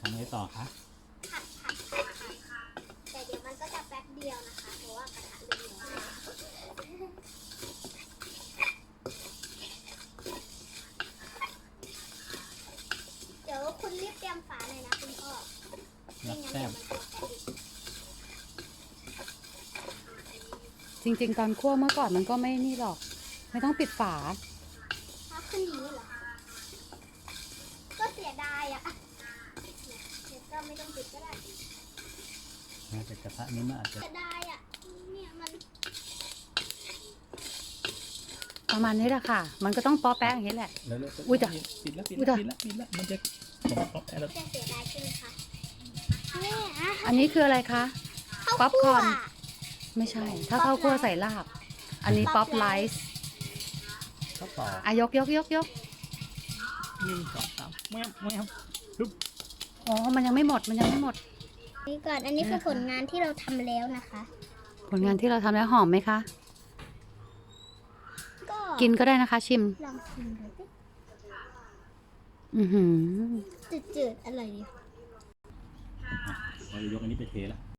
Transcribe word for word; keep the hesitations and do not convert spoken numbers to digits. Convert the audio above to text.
ทำไงต่อคะผัดผัดผัดผัดแต่เดี๋ยวมันก็จะแป๊บเดียวนะคะเพราะว่ากระทะร้อนเดี๋ยวคุณรีบเตรียมฝาหน่อยนะคุณพ่อไม่งั้นเดี๋ยวมันจะแป๊บอีกจริงๆตอนคั่วเมื่อก่อนมันก็ไม่นี่หรอก ไม่ต้องปิดฝาถ้าขึ้นอย่างนี้เหรอก็เสียดายอ่ะเดี๋ยวก็ไม่ต้องปิดก็ได้น่าจะกระทะนี้มันอาจจะเสียดายอ่ะเนี่ยมันประมาณนี้แหละค่ะ มันก็ต้องป๊อแป๊ะอย่างนี้แหละแล้วแล้วอุ๊ยจ้ะปิดแล้วปิดอุ๊ยแล้วจ้ะปิดแล้วปิดแล้วมันจะผมป๊อปแล้วจะเสียดายใช่ไหมคะเนี่ยอ่ะอันนี้คืออะไรคะ ป๊อปคอร์นข้าวคั่วไม่ใช่ ถ้าข้าวคั่วใส่ลาบ อันนี้ป๊อปไลซ์ก็ต่ออ่ะยกยกยกยกหนึ่งสองสามแมวแมวฮึบอ๋อ มันยังไม่หมด มันยังไม่หมดนี่ก่อนอันนี้คือผลงานที่เราทำแล้วนะคะผลงานที่เราทำแล้วหอมไหมคะก็กินก็ได้นะคะชิมลองชิมดูสิอือหือจืดๆอร่อยดีเราจะยกอันนี้ไปเทแล้ว